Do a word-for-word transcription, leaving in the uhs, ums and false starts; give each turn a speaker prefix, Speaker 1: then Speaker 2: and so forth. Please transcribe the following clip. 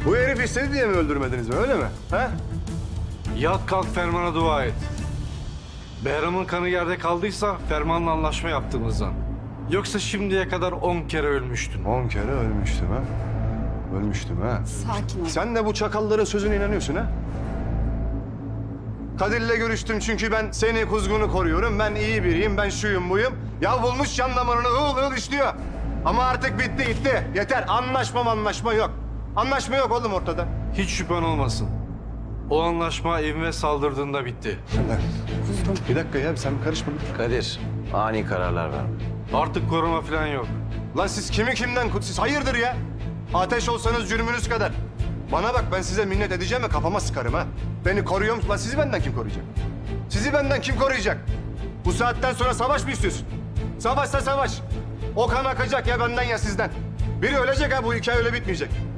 Speaker 1: Bu herif istedi diye mi öldürmediniz mi, öyle mi? Ha?
Speaker 2: Yat kalk Ferman'a dua et. Behram'ın kanı yerde kaldıysa Ferman'la anlaşma yaptığımızdan. Yoksa şimdiye kadar on kere ölmüştün.
Speaker 1: On kere ölmüştüm ha. Ölmüştüm ha.
Speaker 3: Sakin ol.
Speaker 1: Sen de bu çakalların sözüne inanıyorsun ha? Kadir'le görüştüm çünkü ben seni kuzgunu koruyorum. Ben iyi biriyim, ben şuyum buyum. Ya bulmuş can damarını ığıl ığıl işliyor. Ama artık bitti gitti. Yeter. Anlaşma anlaşma yok. Anlaşma yok oğlum ortada.
Speaker 2: Hiç şüphen olmasın. O anlaşma evime saldırdığında bitti.
Speaker 1: Bir dakika ya, sen karışma.
Speaker 4: Kadir, ani kararlar verme.
Speaker 2: Artık koruma falan yok.
Speaker 1: Lan siz kimi kimden, siz hayırdır ya? Ateş olsanız cürmünüz kadar. Bana bak, ben size minnet edeceğim ve kafama sıkarım ha. Beni koruyor musun? Lan sizi benden kim koruyacak? Sizi benden kim koruyacak? Bu saatten sonra savaş mı istiyorsun? Savaşsa savaş. O kan akacak ya benden ya sizden. Biri ölecek ha, bu hikaye öyle bitmeyecek.